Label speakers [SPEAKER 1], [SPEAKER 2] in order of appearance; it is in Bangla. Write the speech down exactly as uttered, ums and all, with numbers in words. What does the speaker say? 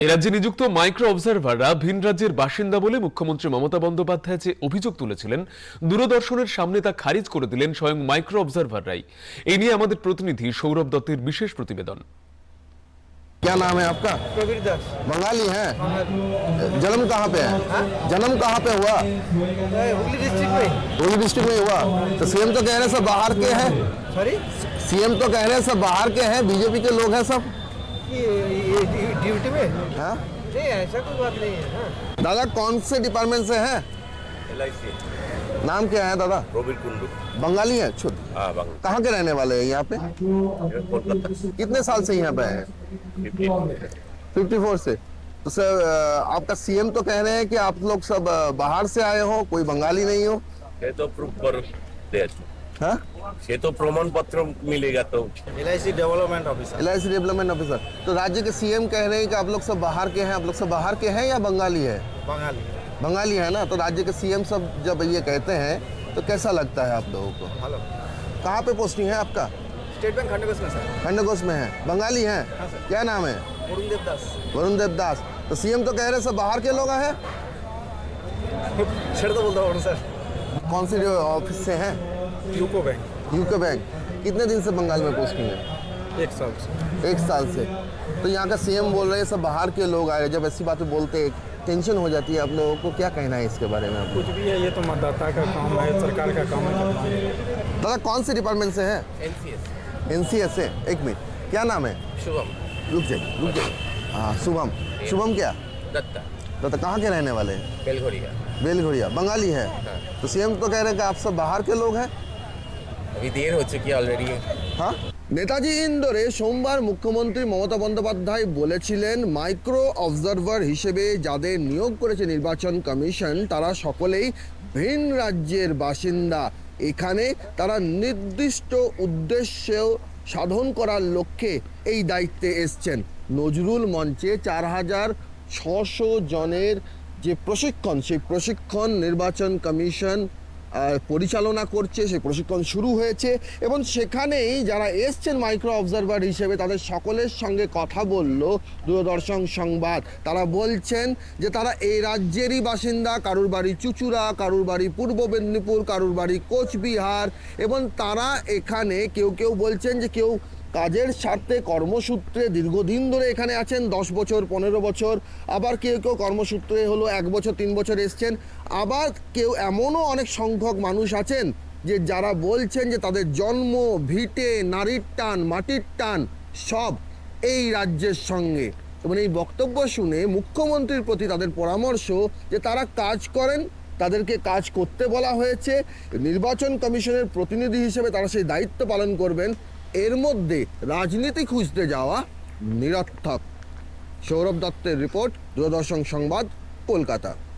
[SPEAKER 1] রাজ্যে নিযুক্ত মাইক্রো অবজারভাররা ভিন রাজ্যের বাসিন্দা বলে মুখ্যমন্ত্রী মমতা বন্দ্যোপাধ্যায় যে অভিযোগ তুলেছিলেন, দূরদর্শনের সামনে তা খারিজ করে দিলেন স্বয়ং মাইক্রো অবজারভাররাই। এই নিয়ে আমাদের প্রতিনিধি সৌরভ দত্তের বিশেষ প্রতিবেদন।
[SPEAKER 2] क्या नाम है आपका?
[SPEAKER 3] प्रवीर दास।
[SPEAKER 2] बंगाली है? जन्म कहाँ पे है? जन्म कहाँ पे हुआ?
[SPEAKER 3] हुगली डिस्ट्रिक्ट में।
[SPEAKER 2] हुगली डिस्ट्रिक्ट में हुआ। तो सीएम तो कह रहे हैं सब बाहर के हैं।
[SPEAKER 3] सॉरी,
[SPEAKER 2] सीएम तो कह रहे हैं सब बाहर के हैं, बीजेपी के लोग हैं सब।
[SPEAKER 3] ये ड्यूटी में?
[SPEAKER 2] हाँ?
[SPEAKER 3] नहीं, ऐसा कोई बात नहीं है। हाँ।
[SPEAKER 2] दादा कौन से डिपार्टमेंट से हैं?
[SPEAKER 4] L I C.
[SPEAKER 2] नाम क्या है दादा?
[SPEAKER 4] रोबिन कुंडू।
[SPEAKER 2] बंगाली है? शुद्ध।
[SPEAKER 4] हाँ, बंगाल।
[SPEAKER 2] कहाँ के रहने वाले हैं यहाँ पे?
[SPEAKER 4] कोलकाता।
[SPEAKER 2] कितने साल से यहाँ पे हैं? फिफ्टी फोर से। तो सर आपका सीएम तो कह रहे हैं कि आप लोग सब बाहर से आए हो, कोई बंगाली नहीं हो।
[SPEAKER 4] ये तो प्रूफ कर दे।
[SPEAKER 2] हाँ?
[SPEAKER 4] ये तो प्रमाण पत्र मिलेगा तो।
[SPEAKER 3] L I C development officer.
[SPEAKER 2] L I C development officer. तो राज्य के सीएम कह रहे हैं कि आप लोग सब बाहर के हैं, आप लोग सब बाहर के हैं या बंगाली है?
[SPEAKER 3] बंगाली।
[SPEAKER 2] बंगाली है ना। तो राज्य के सीएम सब जब ये कहते हैं तो कैसा लगता है आप लोगों को?
[SPEAKER 3] हेलो।
[SPEAKER 2] कहाँ पे पोस्टिंग है आपका?
[SPEAKER 3] स्टेट बैंक खंडकोश में सर।
[SPEAKER 2] खंडकोश में है। बंगाली है?
[SPEAKER 3] हाँ सर।
[SPEAKER 2] क्या नाम है?
[SPEAKER 3] वरुण देवदास।
[SPEAKER 2] वरुण देवदास। तो सीएम तो कह रहे हैं सब बाहर के लोग हैं।
[SPEAKER 3] छेड़ तो बोलता हूँ सर।
[SPEAKER 2] कौन से ऑफिस से हैं?
[SPEAKER 3] यूको बैंक।
[SPEAKER 2] यूको बैंक। कितने दिन से बंगाल में पोस्टिंग है?
[SPEAKER 3] एक साल से।
[SPEAKER 2] एक साल से। तो यहाँ का सीएम बोल रहे हैं सब बाहर के लोग आए। जब ऐसी बातें बोलते हैं टेंशन हो जाती है। आप लोगों को क्या कहना है इसके बारे में? आपको
[SPEAKER 5] कुछ भी है, ये तो मतदाता का काम है, सरकार का काम है करना है।
[SPEAKER 2] दादा कौन से डिपार्टमेंट से है?
[SPEAKER 3] N C S.
[SPEAKER 2] एनसीएस से। एक मिनट, क्या नाम है?
[SPEAKER 3] शुभम
[SPEAKER 2] रुक जाइए रुक जाइए। हाँ, शुभम। शुभम क्या?
[SPEAKER 3] दत्ता।
[SPEAKER 2] दादा कहाँ के रहने वाले हैं?
[SPEAKER 3] बेलघोरिया।
[SPEAKER 2] बेलघोरिया। बंगाली है? तो सीएम तो कह रहे हैं कि आप सब बाहर के लोग हैं।
[SPEAKER 3] अभी देर हो चुकी है ऑलरेडी।
[SPEAKER 2] हाँ। নেতাজি ইন্দোরে সোমবার মুখ্যমন্ত্রী মমতা বন্দ্যোপাধ্যায় বলেছিলেন মাইক্রো অবজারভার হিসেবে যাদের নিয়োগ করেছে নির্বাচন কমিশন তারা সকলেই ভিন রাজ্যের বাসিন্দা। এখানে তারা নির্দিষ্ট উদ্দেশ্য সাধন করার লক্ষ্যে এই দায়িত্বে এসছেন। নজরুল মঞ্চে চার হাজার ছশো জনের যে প্রশিক্ষণ, সেই প্রশিক্ষণ নির্বাচন কমিশন পরিচালনা করছে। সেই প্রশিক্ষণ শুরু হয়েছে এবং সেখানেই যারা এসছেন মাইক্রো অবজারভার হিসেবে তাদের সকলের সঙ্গে কথা বলল দূরদর্শন সংবাদ। তারা বলছেন যে তারা এই রাজ্যেরই বাসিন্দা। কারুর বাড়ি চুচুড়া, কারুর বাড়ি পূর্ব মেদিনীপুর, কারুর বাড়ি কোচবিহার। এবং তারা এখানে কেউ কেউ বলছেন যে কেউ কাজের স্বার্থে কর্মসূত্রে দীর্ঘদিন ধরে এখানে আছেন, দশ বছর পনেরো বছর। আবার কেউ কেউ কর্মসূত্রে হলো এক বছর তিন বছর এসছেন। আবার কেউ এমনও অনেক সংখ্যক মানুষ আছেন যে যারা বলছেন যে তাদের জন্ম ভিটে, নারীর টান, মাটির টান সব এই রাজ্যের সঙ্গে। এবং এই বক্তব্য শুনে মুখ্যমন্ত্রীর প্রতি তাদের পরামর্শ যে তারা কাজ করেন, তাদেরকে কাজ করতে বলা হয়েছে। নির্বাচন কমিশনের প্রতিনিধি হিসেবে তারা সেই দায়িত্ব পালন করবেন। এর মধ্যে রাজনীতি খুঁজতে যাওয়া নিরর্থক। সৌরভ দত্তের রিপোর্ট, দূরদর্শন সংবাদ, কলকাতা।